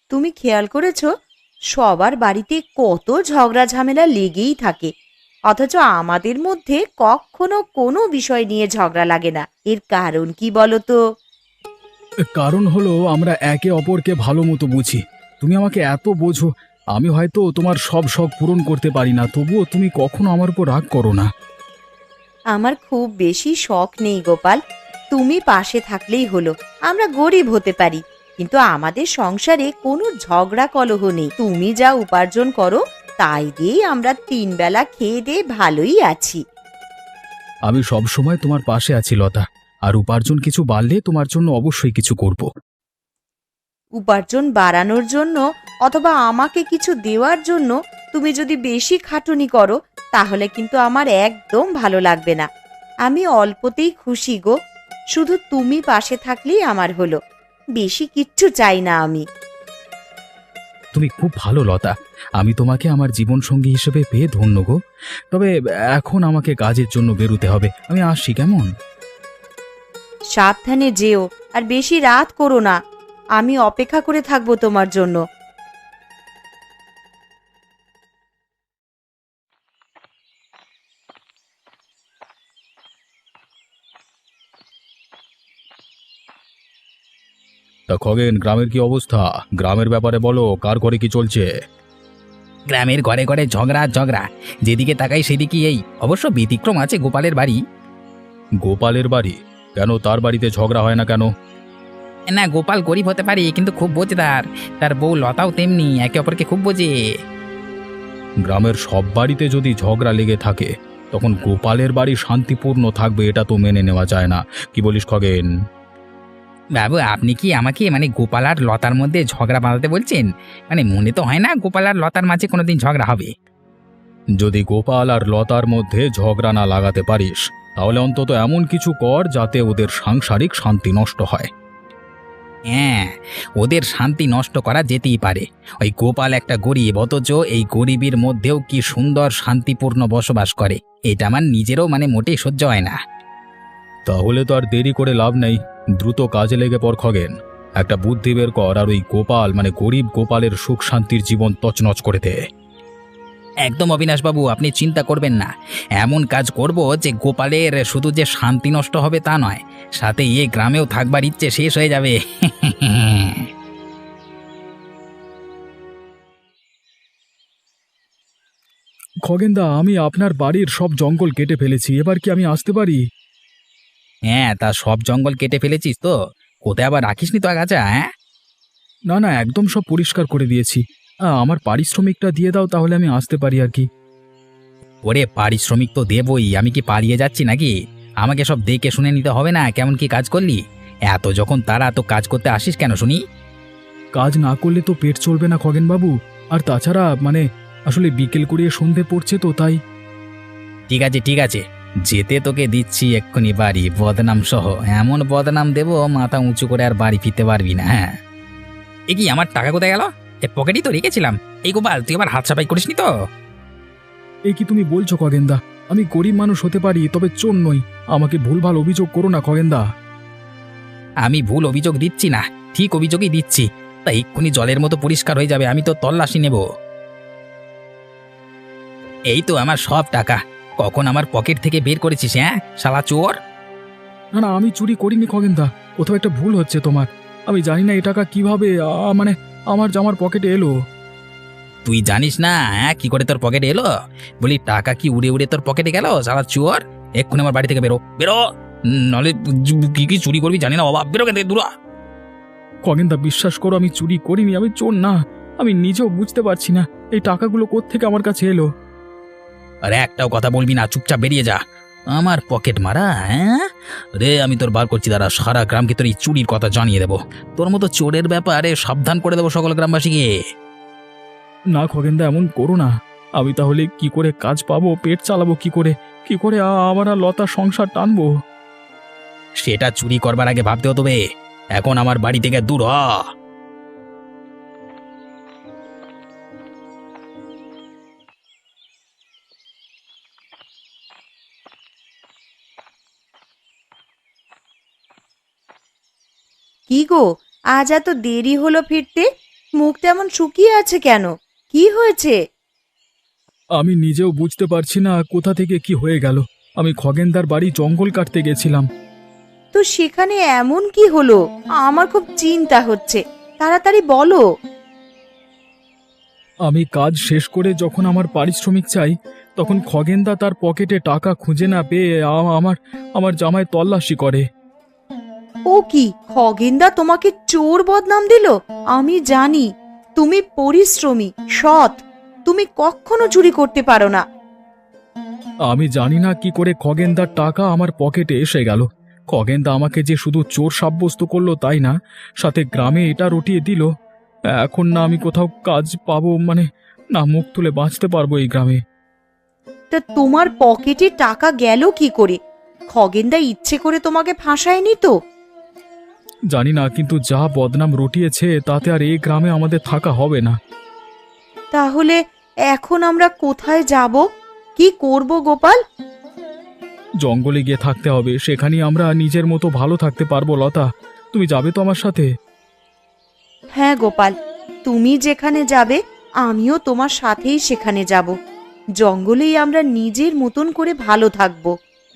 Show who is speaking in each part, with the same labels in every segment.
Speaker 1: তুমি খেয়াল করেছো সবার বাড়িতে কত ঝগড়া ঝামেলা লেগেই থাকে, অথচ আমাদের মধ্যে কখনো কোনো বিষয় নিয়ে ঝগড়া লাগে না। এর কারণ কি বলো তো?
Speaker 2: কারণ হলো আমরা একে অপরকে ভালো মতো বুঝি। তুমি আমাকে এত বোঝো। আমি হয়তো তোমার সব শখ পূরণ করতে পারি না, তবুও তুমি কখনো আমার উপর রাগ করো না।
Speaker 1: আমার খুব বেশি শখ নেই গোপাল, তুমি পাশে থাকলেই হলো। আমরা গরিব হতে পারি, কিন্তু আমাদের সংসারে কোনো ঝগড়া কলহ নেই। তুমি যা উপার্জন করো তাই দিয়েই আমরা 3 বেলা খেয়ে দিয়ে ভালোই আছি।
Speaker 2: আমি সব সময় তোমার পাশে আছি লতা, আর উপার্জন কিছু বাড়লে তোমার জন্য অবশ্যই কিছু করব।
Speaker 1: উপার্জন বাড়ানোর জন্য অথবা আমাকে কিছু দেওয়ার জন্য তুমি যদি বেশি খাটুনি করো, তাহলে কিন্তু আমার একদম ভালো লাগবে না। আমি অল্পতেই খুশি গো, শুধু তুমি পাশে থাকলেই আমার হলো। বেশি কিচ্ছু চাই না আমি।
Speaker 2: তুমি খুব ভালো লতা, আমি তোমাকে আমার জীবন সঙ্গী হিসেবে পেয়ে ধন্য গো। তবে এখন আমাকে কাজের জন্য বেরোতে হবে, আমি আসছি কেমন।
Speaker 1: সাবধানে যেও, আর বেশি রাত করো না। আমি অপেক্ষা করে থাকবো তোমার জন্য।
Speaker 2: তা খগেন, গ্রামের কি অবস্থা? গ্রামের ব্যাপারে বলো, কার ঘরে কি চলছে?
Speaker 3: গ্রামের ঘরে ঘরে ঝগড়া আর ঝগড়া, যেদিকে তাকাই সেদিকে এই। অবশ্য ব্যতিক্রম আছে গোপালের বাড়ি।
Speaker 2: গোপালের বাড়ি? কেন, তার বাড়িতে ঝগড়া হয় না কেন?
Speaker 3: না, গোপাল গরিব হতে পারে কিন্তু খুব বোঝদার। তার বউ লতাও তেমনি, একে অপরকে খুব বোঝে।
Speaker 2: গ্রামের সব বাড়িতে যদি ঝগড়া লেগে থাকে, তখন গোপালের বাড়ি শান্তিপূর্ণ থাকবে এটা তো মেনে নেওয়া যায় না। কি বলিস খগেন?
Speaker 3: বাবু, আপনি কি আমাকে গোপাল আর লতার মধ্যে ঝগড়া বাঁধাতে বলছেন? মনে তো হয় না গোপাল আর লতার মাঝে কোনোদিন ঝগড়া হবে।
Speaker 2: যদি গোপাল আর লতার মধ্যে ঝগড়া না লাগাতে পারিস, তাহলে অন্তত এমন কিছু কর যাতে ওদের সাংসারিক শান্তি নষ্ট হয়।
Speaker 3: হ্যাঁ, ওদের শান্তি নষ্ট করা যেতেই পারে। ওই গোপাল একটা গরিব, অথচ এই গরিবের মধ্যেও কি সুন্দর শান্তিপূর্ণ বসবাস করে। এটা আমার নিজেরও মোটেই সহ্য হয় না।
Speaker 2: তাহলে তো আর দেরি করে লাভ নেই, দ্রুত কাজে লেগে পড় খগেন। একটা বুদ্ধি বের কর, আর ওই গোপাল গরিব গোপালের সুখ শান্তির জীবন তছনছ করে দে।
Speaker 3: একদম অবিনাশবাবু, আপনি চিন্তা করবেন না। এমন কাজ করব যে গোপালের শুধু যে শান্তি নষ্ট হবে তা নয়, সাথে এই গ্রামেও থাকবার ইচ্ছে শেষ হয়ে যাবে।
Speaker 2: খগেনদা, আমি আপনার বাড়ির সব জঙ্গল কেটে ফেলেছি, এবার কি আমি আসতে পারি?
Speaker 3: হ্যাঁ, তা সব জঙ্গল কেটে ফেলেছিস তো? কোথায় আবার রাখিসনি তো আগাছা? হ্যাঁ,
Speaker 2: না না, একদম সব পরিষ্কার করে দিয়েছি। আমার পারিশ্রমিকটা দিয়ে দাও, তাহলে আমি আসতে পারি আর কি।
Speaker 3: ওরে পারিশ্রমিক তো দেবই, আমি কি পালিয়ে যাচ্ছি নাকি? আমাকে সব দেখে শুনে নিতে হবে না কেমন কি কাজ করলি? এত যখন তারা তো কাজ করতে আসিস কেন শুনি?
Speaker 2: কাজ না করলে তো পেট চলবে না খগেনবাবু। আর তাছাড়া আসলে বিকেল করিয়ে সন্ধে পড়ছে তো তাই।
Speaker 3: ঠিক আছে ঠিক আছে, যেতে তোকে দিচ্ছি এক্ষুনি বাড়ি, বদনাম সহ। এমন বদনাম দেবো মাথা উঁচু করে আর বাড়ি ফিরতে পারবি না। হ্যাঁ, এ কি, আমার টাকা কোথায় গেল? এ পকেটই তো রেখেছিলাম। এই গোপাল, তুই আবার হাত সাফাই করিসনি তো?
Speaker 2: এই কি তুমি বলছো খগেনদা? আমি গরিব মানুষ হতে পারি, তবে চোর নই। আমাকে ভুলভাল অভিযোগ করো না খগেনদা।
Speaker 3: আমি ভুল অভিযোগ দিচ্ছি না, ঠিক অভিযোগই দিচ্ছি। তা এক্ষুনি জলের মতো পরিষ্কার হয়ে যাবে, আমি তো তল্লাশি নেব। এই তো আমার সব টাকা। কখন আমার পকেট থেকে বের করেছিস? হ্যাঁ শালা চোর!
Speaker 2: না না, আমি চুরি করিনি খগেনদা। কোথাও একটা ভুল হচ্ছে তোমার। আমি জানি না এই টাকা কিভাবে আমার জামার পকেটে এলো।
Speaker 3: তুই জানিস না? হ্যাঁ, কি করে তোর পকেটে এলো? বলি, টাকা কি উড়ে উড়ে তোর পকেটে গেল শালা চোর? এক্ষুনি আমার বাড়ি থেকে বেরো, বেরো। নলে কি কি চুরি করবি জানি না বাবা, বেরো কেন দূরা।
Speaker 2: খগেনদা, বিশ্বাস করো, আমি চুরি করিনি, আমি চোর না। আমি নিজেও বুঝতে পারছি না এই টাকাগুলো কোত্থেকে আমার কাছে এলো।
Speaker 3: আরে একটাও কথা বলবি না, চুপচাপ বেরিয়ে যা। আমার পকেট মারা? হ্যাঁ রে, আমি তোর বার করছি, দাঁড়া। সারা গ্রামকে তোর এই চুরির কথা জানিয়ে দেবো। তোর মতো চোরের ব্যাপারে সাবধান করে দেবো সকল গ্রামবাসীকে।
Speaker 2: না খগেনদা, এমন করো না। আমি তাহলে কি করে কাজ পাবো, পেট চালাবো কি করে? কি করে আমার আর লতার সংসার টানবো?
Speaker 3: সেটা চুরি করবার আগে ভাবতে হতো বে। এখন আমার বাড়ি থেকে দূর হ।
Speaker 1: কি গো, আজ এত দেরি হলো ফিরতে? মুখটা এমন শুকিয়ে আছে কেন? কি হয়েছে?
Speaker 2: আমি নিজেও বুঝতে পারছি না কোথা থেকে কি হয়ে গেল। আমি খগেনদার বাড়ি জঙ্গল কাটতে গেছিলাম।
Speaker 1: তো সেখানে এমন কি হলো? আমার খুব চিন্তা হচ্ছে, তাড়াতাড়ি বলো।
Speaker 2: আমি কাজ শেষ করে যখন আমার পারিশ্রমিক চাই, তখন খগেনদা তার পকেটে টাকা খুঁজে না পেয়ে আমার আমার জামায় তল্লাশি করে।
Speaker 1: ও কি, খগেনদা তোমাকে চোর বদনাম দিল? আমি জানি তুমি পরিশ্রমী, সৎ, তুমি কখনো চুরি করতে পারো না।
Speaker 2: আমি জানি না কি করে খগেনদার টাকা আমার পকেটে এসে গেল। খগেনদা আমাকে যে শুধু চোর সাব্যস্ত করলো তাই না, সাথে গ্রামে এটা রটিয়ে দিল। এখন না আমি কোথাও কাজ পাবো, মানে না মুখ তুলে বাঁচতে পারবো এই গ্রামে।
Speaker 1: তা তোমার পকেটে টাকা গেল কি করে? খগেনদা ইচ্ছে করে তোমাকে ফাঁসায়নি তো?
Speaker 2: জানি না, কিন্তু যা বদনাম রটিয়েছে তাতে আর এই গ্রামে আমাদের থাকা হবে না।
Speaker 1: তাহলে এখন আমরা কোথায় যাব? কি করব গোপাল?
Speaker 2: জঙ্গলে গিয়ে থাকতে হবে, সেখানেই আমরা নিজের মতো ভালো থাকতে পারবো। লতা, তুমি যাবে তো আমার সাথে?
Speaker 1: হ্যাঁ গোপাল, তুমি যেখানে যাবে আমিও তোমার সাথেই সেখানে যাব। জঙ্গলেই আমরা নিজের মতন করে ভালো থাকবো।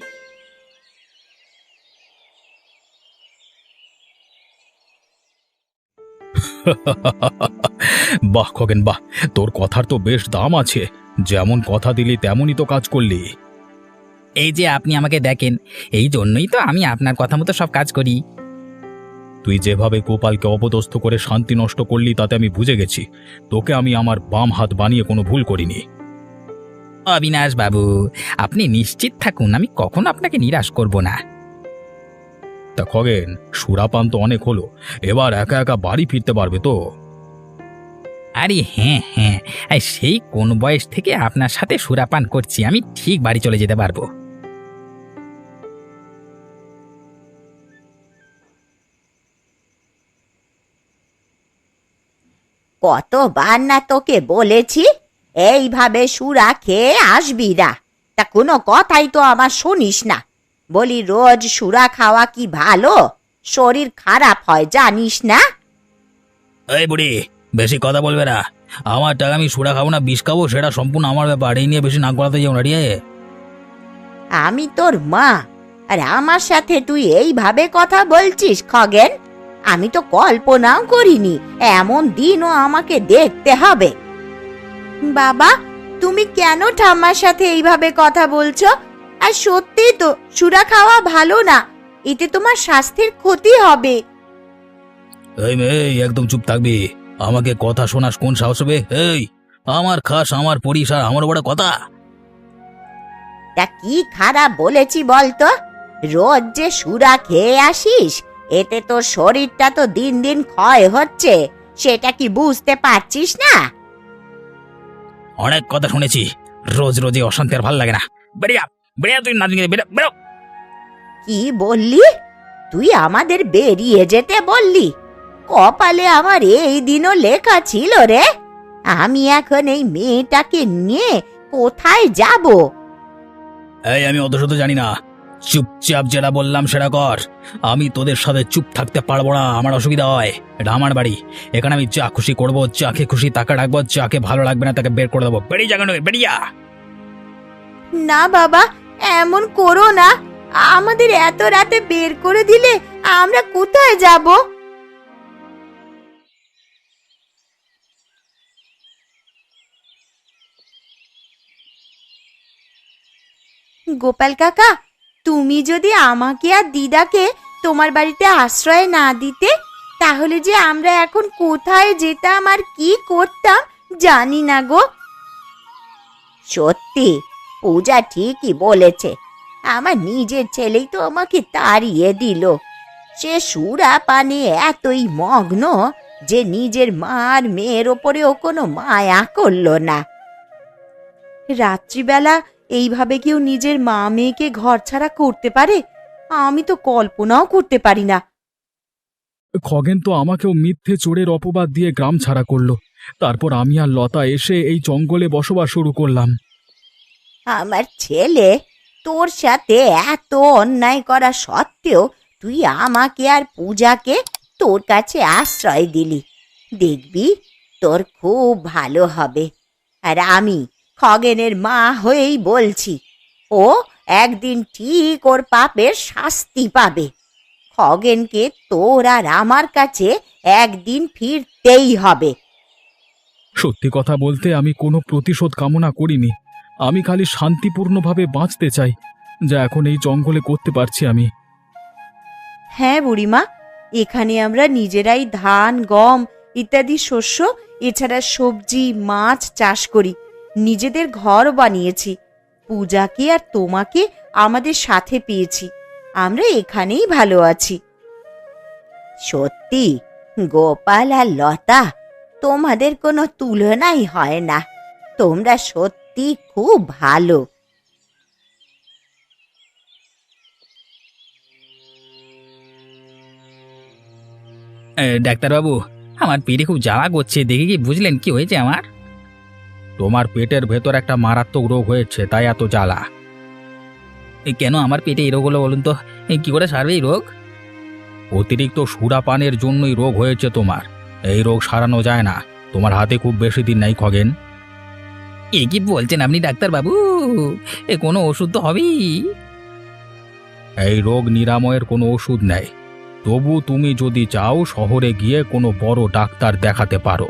Speaker 2: বাহ খগেন বাহ, তোর কথার তো বেশ দাম আছে। যেমন কথা দিলি তেমনই তো কাজ করলি।
Speaker 3: এই যে আপনি আমাকে দেখেন, এই জন্যই তো আমি আপনার কথা মতো সব কাজ করি।
Speaker 2: তুই যেভাবে গোপালকে অপদস্থ করে শান্তি নষ্ট করলি তাতে আমি বুঝে গেছি তোকে আমি আমার বাম হাত বানিয়ে কোনো ভুল করিনি।
Speaker 3: অবিনাশ বাবু, আপনি নিশ্চিত থাকুন, আমি কখনো আপনাকে নিরাশ করব না।
Speaker 2: তা খগেন, সুরাপান তো অনেক হলো, এবার একা একা বাড়ি ফিরতে পারবে তো?
Speaker 3: আরে হ্যাঁ হ্যাঁ, সেই কোন বয়স থেকে আপনার সাথে সুরাপান করছি, আমি ঠিক বাড়ি চলে যেতে পারবো।
Speaker 1: কতবার না তোকে বলেছি এইভাবে সুরা খেয়ে আসবি না, তা কোনো কথাই তো আমার শুনিস না। বলি রোজ সুরা খাওয়া কি ভালো? শরীর খারাপ হয় জানিস না?
Speaker 3: এই বুড়ি, বেশি কথা বলবে না। আমার টাকা আমি সুরা খাবো না বিষ খাবো সেটা সম্পূর্ণ আমার ব্যাপার, এই নিয়ে বেশি নাক গলাতে যাও না রে।
Speaker 1: আমি তোর মা, আর আমার সাথে তুই এইভাবে কথা বলছিস খগেন? আমি তো কল্পনাও করিনি এমন দিনও আমাকে দেখতে হবে। বাবা, তুমি কেন ঠাম্মার সাথে এইভাবে কথা বলছো? আর সত্যি তো সুরা খাওয়া ভালো না, এতে তোমার স্বাস্থ্যের ক্ষতি হবে।
Speaker 3: এই মেয়ে, একদম চুপ থাকবি। আমাকে কথা শোনাস কোন সাহস হবে? এই, আমার খাস, আমার পড়িস, আর আমার বড় কথা।
Speaker 1: তা কি খারাপ বলেছি বলতো? রোজ যে সুরা খেয়ে আসিস, এতে তোর শরীরটা তো দিন দিন ক্ষয় হচ্ছে, সেটা কি বুঝতে পারছিস না?
Speaker 3: অনেক কথা শুনেছি, রোজ রোজ এই অশান্তি আর ভাল লাগে না। বেরিয়া বেরিয়া, তুই না বেরো।
Speaker 1: কি বললি? তুই আমাদের বেরিয়ে যেতে বললি? কপালে আমার এই দিনও লেখা ছিল রে। আমি এখন এই মেয়েটাকে নিয়ে কোথায় যাব?
Speaker 3: এই, আমি অত শত জানি না, চুপচাপ যেটা বললাম সেটা কর। আমি তোদের সাথে চুপ থাকতে পারবো না, আমার অসুবিধা হয়। এটা আমার বাড়ি, এখানে আমি যা খুশি করবো, যাকে খুশি তাকে ডাকবো, যাকে ভালো লাগবে না তাকে বের করে দেবো। বেরিয়ে যা, বেরিয়া।
Speaker 1: না বাবা, এমন করো না। আমাদের এত রাতে বের করে দিলে আমরা কোথায় যাব? গোপাল কাকা, তুমি যদি আমাকে আর দিদাকে তোমার বাড়িতে আশ্রয় না দিতে, তাহলে যে আমরা এখন কোথায় যেতাম আর কি করতাম জানি না গো। সত্যি, পূজা ঠিকই বলেছে। আমার নিজের ছেলেই তো আমাকে তাড়িয়ে দিল। সে সুরা পানে এতই মগ্ন যে নিজের মার মেয়ের ওপরেও কোনো মায়া করলো না। রাত্রিবেলা এইভাবে কেউ নিজের মা মেয়েকে ঘর ছাড়া করতে পারে? আমি তো কল্পনাও করতে পারি না।
Speaker 2: খগেন তো আমাকেও মিথ্যে চোরের অপবাদ দিয়ে গ্রাম ছাড়া করলো। তারপর আমি আর লতা এসে এই জঙ্গলে বসবাস শুরু করলাম।
Speaker 1: আমার ছেলে তোর সাথে এত অন্যায় করা সত্ত্বেও তুই আমাকে আর পূজাকে তোর কাছে আশ্রয় দিলি। দেখবি তোর খুব ভালো হবে। আর আমি খগেনের মা হয়েই বলছি, ও একদিন ঠিক ওর পাপের শাস্তি পাবে। খগেনকে তোর আর আমার কাছে একদিন ফিরতেই হবে।
Speaker 2: সত্যি কথা বলতে আমি কোনো প্রতিশোধ কামনা করিনি। আমি খালি শান্তিপূর্ণভাবে বাঁচতে চাই, যা এখন এই জঙ্গলে করতে পারছি আমি।
Speaker 1: হ্যাঁ বুড়িমা, এখানে আমরা নিজেরাই ধান, গম ইত্যাদি শস্য, এছাড়া সবজি, মাছ চাষ করি। নিজেদের ঘর বানিয়েছি। পূজাকে আর তোমাকে আমাদের সাথে পেয়েছি। আমরা এখানেই ভালো আছি। সত্যি গোপাল আর লতা, তোমাদের কোনো তুলনাই হয় না। তোমরা সত্যি খুব ভালো।
Speaker 3: ডাক্তারবাবু, আমার পেটে খুব জ্বালা করছে, দেখে কি বুঝলেন কি হয়েছে আমার? তোমার পেটের ভেতর একটা মারাত্মক রোগ হয়েছে, তাই এত জ্বালা। কেন আমার পেটে এই রোগ হলো বলুন তো? কি করে সারবে এই রোগ? অতিরিক্ত সুরাপানের জন্যই রোগ হয়েছে তোমার। এই রোগ সারানো যায় না। তোমার হাতে খুব বেশি দিন নাই খগেন। এ কি বলছেন আপনি ডাক্তারবাবু? এ কোনো ওষুধ তো হবেই। এই রোগ নিরাময়ের কোনো ওষুধ নেই। তবু তুমি যদি চাও শহরে গিয়ে কোনো বড় ডাক্তার দেখাতে পারো।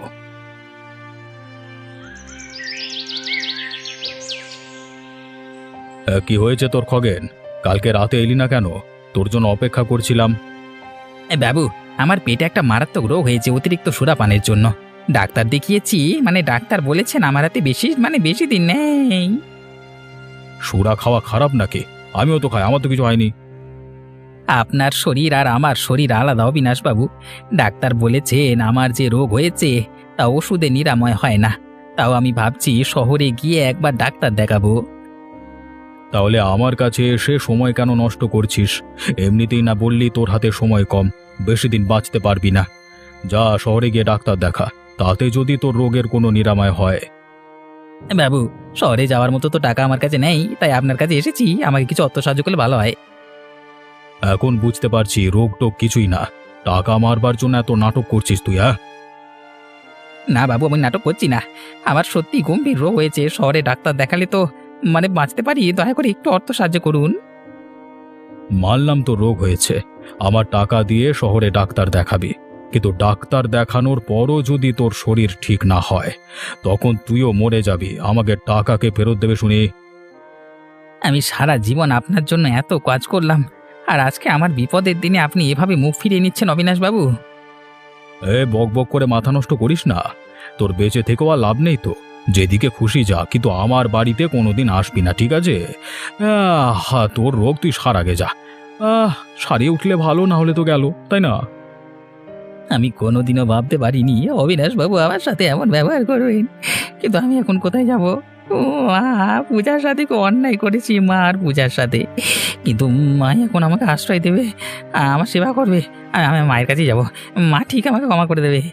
Speaker 3: কি হয়েছে তোর খগেন? কালকে রাতে এলি না কেন? তোর জন্য অপেক্ষা করছিলাম। বাবু, আমার পেটে একটা মারাত্মক রোগ হয়েছে অতিরিক্ত সুরাপানের জন্য। ডাক্তার দেখিয়েছি, ডাক্তার বলেছেন আমার হাতে বেশি দিন নেই। সুরা খাওয়া খারাপ নাকি? আমিও তো খাই, আমার তো কিছু হয়নি। আপনার শরীর আর আমার শরীর আলাদা অবিনাশবাবু। ডাক্তার বলেছেন আমার যে রোগ হয়েছে তা ওষুধে নিরাময় হয় না। তাও আমি ভাবছি শহরে গিয়ে একবার ডাক্তার দেখাবো। তাহলে আমার কাছে এসে সময় কেন নষ্ট করছিস? এমনিতেই না বললি তোর হাতে সময় কম, বেশি দিন বাঁচতে পারবি না। যা শহরে গিয়ে ডাক্তার দেখা, তাতে যদি তোর রোগের কোনো নিরাময় হয়। বাবু, শহরে যাওয়ার মতো তো টাকা আমার কাছে নেই, তাই আপনার কাছে এসেছি। আমাকে কিছু অর্থ সাহায্য করলে ভালো হয়। এখন বুঝতে পারছি রোগ টোগ কিছুই না। টাকা মারবার জন্য এত নাটক করছিস তুই, হ্যাঁ? না বাবু, আমি নাটক করছি না। আমার সত্যি গম্ভীর রোগ হয়েছে। শহরে ডাক্তার দেখালে তো বাঁচতে পারি। দয়া করে একটু অর্থ সাহায্য করুন। মানলাম তো রোগ হয়েছে, আমার টাকা দিয়ে শহরে ডাক্তার দেখাবি। কিন্তু ডাক্তার দেখানোর পরও যদি তোর শরীর ঠিক না হয়, তখন তুইও মরে যাবি। আমাকে টাকাকে ফেরত দেবে শুনি। আমি সারা জীবন আপনার জন্য এত কাজ করলাম, আর আজকে আমার বিপদের দিনে আপনি এভাবে মুখ ফিরিয়ে নিচ্ছেন অবিনাশবাবু। বক বক করে মাথা নষ্ট করিস না। তোর বেঁচে থেকেও আর লাভ নেই তো। যেদিকে খুশি যা, কিন্তু আমার বাড়িতে কোনোদিন আসবি না, ঠিক আছে? তোর রোগ তুই সারাগে যা। সারিয়ে উঠলে ভালো, না হলে তো গেল, তাই না? আমি কোনোদিনও ভাবতে পারিনি অবিনাশবাবু আমার সাথে এমন ব্যবহার করবেন। কিন্তু আমি এখন কোথায় যাব? পূজার সাথে খুব অন্যায় করেছি, মা আর পূজার সাথে। কিন্তু মা এখন আমাকে আশ্রয় দেবে, আমার সেবা করবে, আর আমি মায়ের কাছেই যাব। মা ঠিক আমাকে ক্ষমা করে দেবে।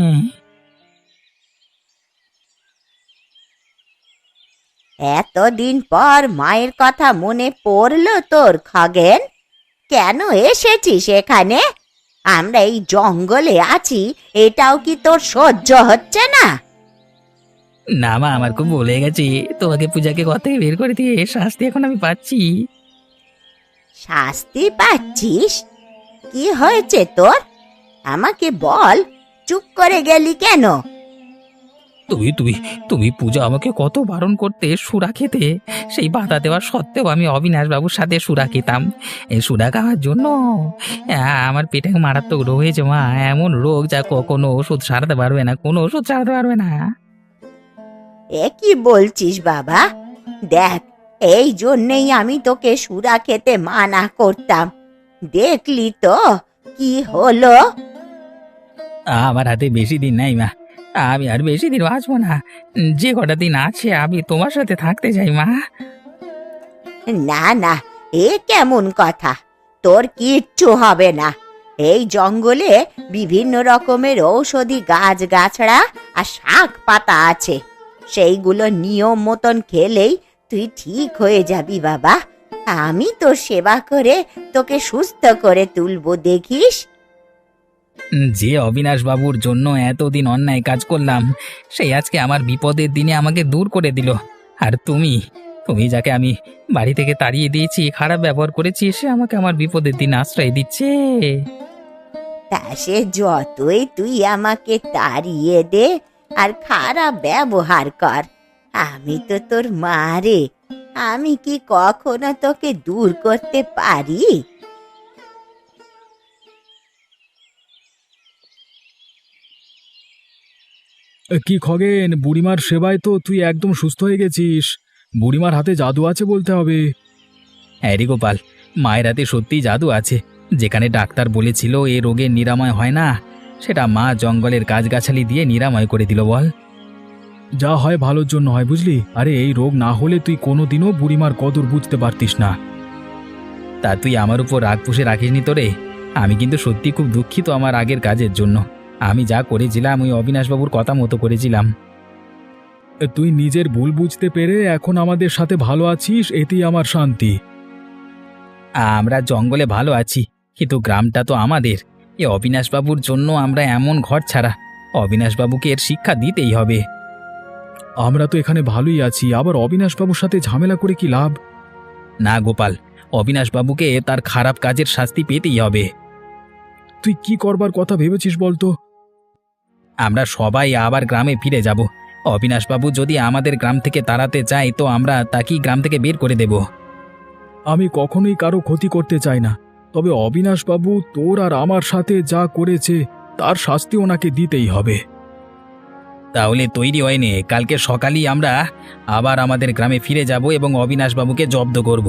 Speaker 1: এতদিন পর মায়ের কথা মনে পড়লো তোর খগেন? কেন এসেছিস এখানে? আমরা এই জঙ্গলে আছি, এটাও কি তোর সহ্য হচ্ছে না?
Speaker 3: না মা, আমার খুব ভুলে গেছি। তোমাকে পূজাকে ঘর থেকে বের করে দিয়ে শাস্তি এখন আমি পাচ্ছি।
Speaker 1: শাস্তি পাচ্ছিস? কি হয়েছে তোর? আমাকে বল, চুপ করে গেলি কেন?
Speaker 3: তুমি তুমি তুমি পূজা আমাকে কত বারণ করতে সুরা খেতে। সেই বাধা দেওয়ার সত্ত্বেও আমি অবিনাশবাবুর সাথে সুরা খেতাম। এই সুরা খাওয়ার জন্য আমার পেটে মারাত্মক রোগ হয়েছে মা। এমন রোগ যা কখনো ওষুধ সারাতে পারবে না, কোনো ওষুধ সারাতে পারবে না।
Speaker 1: এ কি বলছিস বাবা? দেখ, এই জন্যেই আমি তোকে সুরা খেতে মানা করতাম। দেখলি তো কি হলো?
Speaker 3: আমার হাতে বেশি দিন নাই মা, আমি আর বেশি দিন বাঁচবো না। যে কটা দিন আছে আমি তোমার সাথে থাকতে চাই মা।
Speaker 1: না না, এ কেমন কথা? তোর কিচ্ছু হবে না। এই জঙ্গলে বিভিন্ন রকমের ঔষধি গাছ গাছড়া আর শাক পাতা আছে। সেইগুলো নিয়ম মতন খেলেই তুই ঠিক হয়ে যাবি বাবা। আমি তোর সেবা করে তোকে সুস্থ করে তুলবো, দেখিস।
Speaker 3: যে অবিনাশ বাবুর জন্য এতদিন অন্যায় কাজ করলাম, সেই আজকে আমার বিপদের দিনে আমাকে দূর করে দিল। আর তুমি তুমি যাকে আমি বাড়ি থেকে তাড়িয়ে দিয়েছি, খারাপ ব্যবহার করেছি, সে আমাকে আমার বিপদের দিন আশ্রয় দিচ্ছে।
Speaker 1: তা সে যতই তুই আমাকে তাড়িয়ে দে আর খারাপ ব্যবহার কর, আমি তো তোর মা রে। আমি কি কখনো তোকে দূর করতে পারি?
Speaker 2: কি খগেন, বুড়িমার সেবায় তো তুই একদম সুস্থ হয়ে গেছিস। বুড়িমার হাতে জাদু আছে বলতে হবে।
Speaker 3: হ্যাঁ রে গোপাল, মায়ের হাতে সত্যিই জাদু আছে। যেখানে ডাক্তার বলেছিল এ রোগের নিরাময় হয় না, সেটা মা জঙ্গলের গাছগাছালি দিয়ে নিরাময় করে দিল বল।
Speaker 2: যা হয় ভালোর জন্য হয়, বুঝলি? আরে এই রোগ না হলে তুই কোনোদিনও বুড়িমার কদর বুঝতে পারতিস না।
Speaker 3: তা তুই আমার উপর রাগ পুষে রাখিসনি তো রে। আমি কিন্তু সত্যি খুব দুঃখিত আমার আগের কাজের জন্য। আমি যা করেছিলাম ওই অবিনাশবাবুর কথা মতো করেছিলাম।
Speaker 2: তুই নিজের ভুল বুঝতে পেরে এখন আমাদের সাথে ভালো আছিস, এতেই আমার শান্তি।
Speaker 3: আমরা জঙ্গলে ভালো আছি, কিন্তু গ্রামটা তো আমাদের। এ অবিনাশবাবুর জন্য আমরা এমন ঘর ছাড়া। অবিনাশবাবুকে এর শিক্ষা দিতেই হবে।
Speaker 2: আমরা তো এখানে ভালোই আছি, আবার অবিনাশবাবুর সাথে ঝামেলা করে কি লাভ?
Speaker 3: না গোপাল, অবিনাশবাবুকে তার খারাপ কাজের শাস্তি পেতেই হবে।
Speaker 2: তুই কি করবার কথা ভেবেছিস বলতো?
Speaker 3: আমরা সবাই আবার গ্রামে ফিরে যাব। অবিনাশবাবু যদি আমাদের গ্রাম থেকে তাড়াতে চায়, তো আমরা তাকেই গ্রাম থেকে বের করে দেব।
Speaker 2: আমি কখনোই কারো ক্ষতি করতে চাই না, তবে অবিনাশবাবু তোর আর আমার সাথে যা করেছে তার শাস্তি ওনাকে দিতেই হবে।
Speaker 3: তাহলে তৈরি হয় নে, কালকে সকালেই আমরা আবার আমাদের গ্রামে ফিরে যাব এবং অবিনাশবাবুকে জব্দ করব।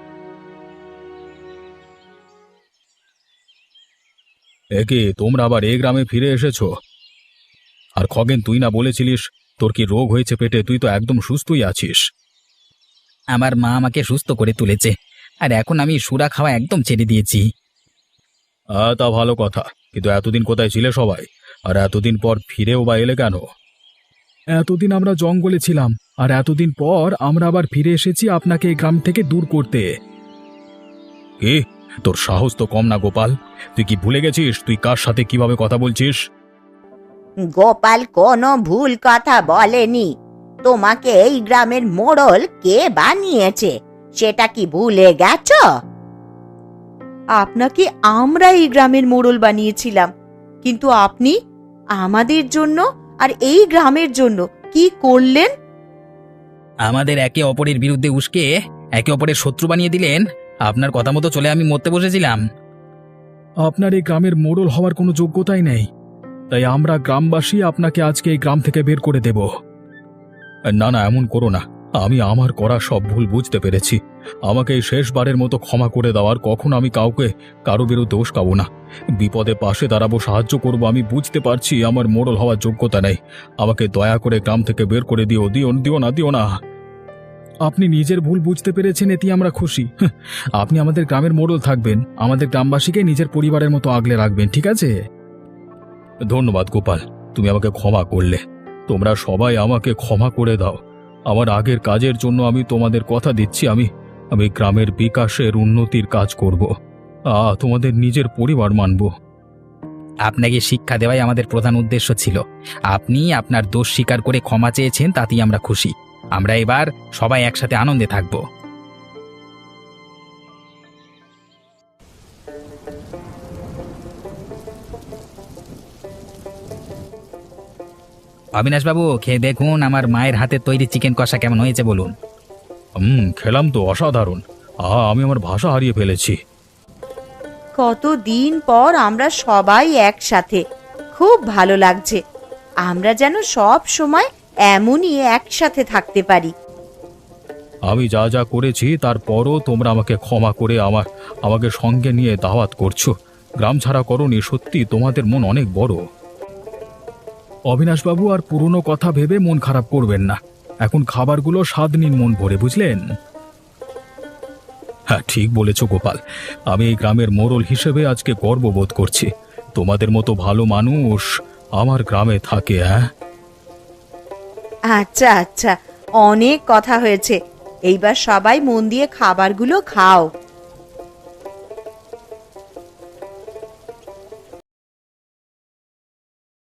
Speaker 2: একে তোমরা আবার এই গ্রামে ফিরে এসেছো? আর খগেন, তুই না বলেছিলিস তোর কি রোগ হয়েছে পেটে? তুই তো একদম সুস্থই আছিস।
Speaker 3: আমার মা আমাকে সুস্থ করে তুলেছে, আর এখন আমি সুরা খাওয়া একদম ছেড়ে দিয়েছি।
Speaker 2: তা ভালো কথা, কিন্তু এতদিন কোথায় ছিলে সবাই? আর এতদিন পর ফিরেও বা এলে কেন? এতদিন আমরা জঙ্গলে ছিলাম, আর এতদিন পর আমরা আবার ফিরে এসেছি আপনাকে এই গ্রাম থেকে দূর করতে। কি, তোর সাহস তো কম না গোপাল? তুই কি ভুলে গেছিস তুই কার সাথে কিভাবে কথা বলছিস?
Speaker 1: গোপাল কোনো ভুল কথা বলেনি। তোমাকে এই গ্রামের মোড়ল কে বানিয়েছে সেটা কি ভুলে গেছো? আপনাকে আমরা এই গ্রামের মোড়ল বানিয়েছিলাম, কিন্তু আপনি আমাদের জন্য আর এই গ্রামের জন্য কি করলেন?
Speaker 3: আমাদের একে অপরের বিরুদ্ধে উস্কে একে অপরের শত্রু বানিয়ে দিলেন। আপনার কথা মতো চলে আমি মরতে বসেছিলাম।
Speaker 2: আপনার এই গ্রামের মোড়ল হওয়ার কোনো যোগ্যতাই নেই, তাই আমরা গ্রামবাসী আপনাকে আজকে এই গ্রাম থেকে বের করে দেব। না না, এমন করো না। আমি আমার করা সব ভুল বুঝতে পেরেছি। আমাকে এই শেষবারের মতো ক্ষমা করে দেওয়ার, কখনো আমি কাউকে কারো বিরুদ্ধে উস্কাবো না। বিপদে পাশে দাঁড়াবো, সাহায্য করব। আমি বুঝতে পারছি আমার মোড়ল হওয়ার যোগ্যতা নেই। আমাকে দয়া করে গ্রাম থেকে বের করে দিও না। আপনি নিজের ভুল বুঝতে পেরেছেন, এতেই আমরা খুশি। আপনি আমাদের গ্রামের মোড়ল থাকবেন, আমাদের গ্রামবাসীকে নিজের পরিবারের মতো আগলে রাখবেন, ঠিক আছে? ধন্যবাদ গোপাল, তুমি আমাকে ক্ষমা করলে। তোমরা সবাই আমাকে ক্ষমা করে দাও। আমার আগের কাজের জন্য আমি তোমাদের কথা দিচ্ছি, আমি গ্রামের বিকাশের উন্নতির কাজ করব। তোমাদের নিজের পরিবার মানব।
Speaker 3: আপনাকে শিক্ষা দেওয়াই আমাদের প্রধান উদ্দেশ্য ছিল। আপনি আপনার দোষ স্বীকার করে ক্ষমা চেয়েছেন, তাতেই আমরা খুশি। আমরা এবার সবাই একসাথে আনন্দে থাকব। অবিনাশবাবু, খেয়ে দেখুন আমার মায়ের হাতে তৈরি চিকেন কষা কেমন হয়েছে বলুন।
Speaker 2: খেলাম তো, অসাধারণ। আমি আমার ভাষা হারিয়ে ফেলেছি।
Speaker 1: কতদিন পর আমরা সবাই একসাথে, খুব ভালো লাগছে। আমরা যেন সব সময় এমনই একসাথে থাকতে পারি।
Speaker 2: আমি যা যা করেছি তারপরও তোমরা আমাকে ক্ষমা করে আমাকে সঙ্গে নিয়ে দাওয়াত করছো। গ্রাম ছাড়া করনি, সত্যি তোমাদের মন অনেক বড়। অবিনাশবাবু, আর পুরনো কথা ভেবে মন খারাপ করবেন না। এখন খাবারগুলো স্বাদ নিন মন ভরে, বুঝলেন? হ্যাঁ, ঠিক বলেছ গোপাল। আমি এই গ্রামের মোড়ল হিসেবে আজকে গর্ববোধ করছি। তোমাদের মতো ভালো মানুষ আমার গ্রামে থাকে। হ্যাঁ,
Speaker 1: আচ্ছা আচ্ছা, অনেক কথা হয়েছে। এইবার সবাই মন দিয়ে খাবারগুলো খাও।